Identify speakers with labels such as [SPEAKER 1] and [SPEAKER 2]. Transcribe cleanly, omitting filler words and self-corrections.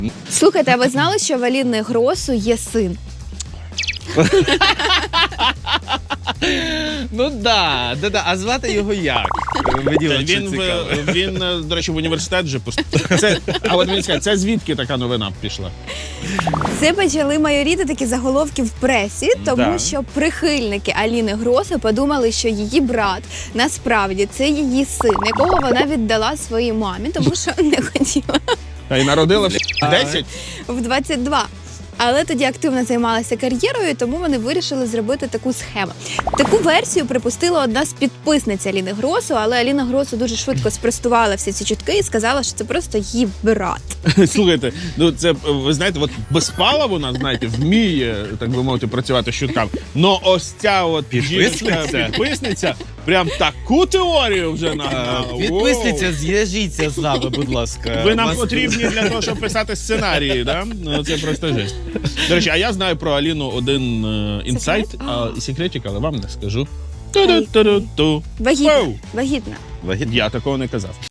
[SPEAKER 1] Слухайте, а ви знали, що в Аліни Гросу є син?
[SPEAKER 2] Ну да. А звати його як? Мені от що цікаво.
[SPEAKER 3] Він, до речі, в університет вже поступив. А от мені скажуть, це звідки така новина пішла?
[SPEAKER 1] Це почали майоріти такі заголовки в пресі, тому що прихильники Аліни Гроси подумали, що її брат насправді це її син, якого вона віддала своїй мамі, тому що не хотіла
[SPEAKER 3] Та й народила в 10?
[SPEAKER 1] в 22. Але тоді активно займалася кар'єрою, тому вони вирішили зробити таку схему. Таку версію припустила одна з підписниць Аліни Гросу, але Аліна Гросу дуже швидко спростувала всі ці чутки і сказала, що це просто її брат.
[SPEAKER 3] Слухайте, ну це, ви знаєте, от безпала вона, знаєте, вміє, так би мовити, працювати з чутками. Но ось ця от підписниця прям таку теорію вже нагнала.
[SPEAKER 2] Підписниця, зв'яжіться з нами, будь ласка.
[SPEAKER 3] Ви нам потрібні для того, щоб писати сценарії, да? Ну, це просто жесть. До речі, а я знаю про Аліну один інсайт, секретик, але вам не скажу. Ту-ду-ту-ду-ту.
[SPEAKER 1] Вагітна.
[SPEAKER 3] Воу.
[SPEAKER 1] Вагітна.
[SPEAKER 3] Я такого не казав.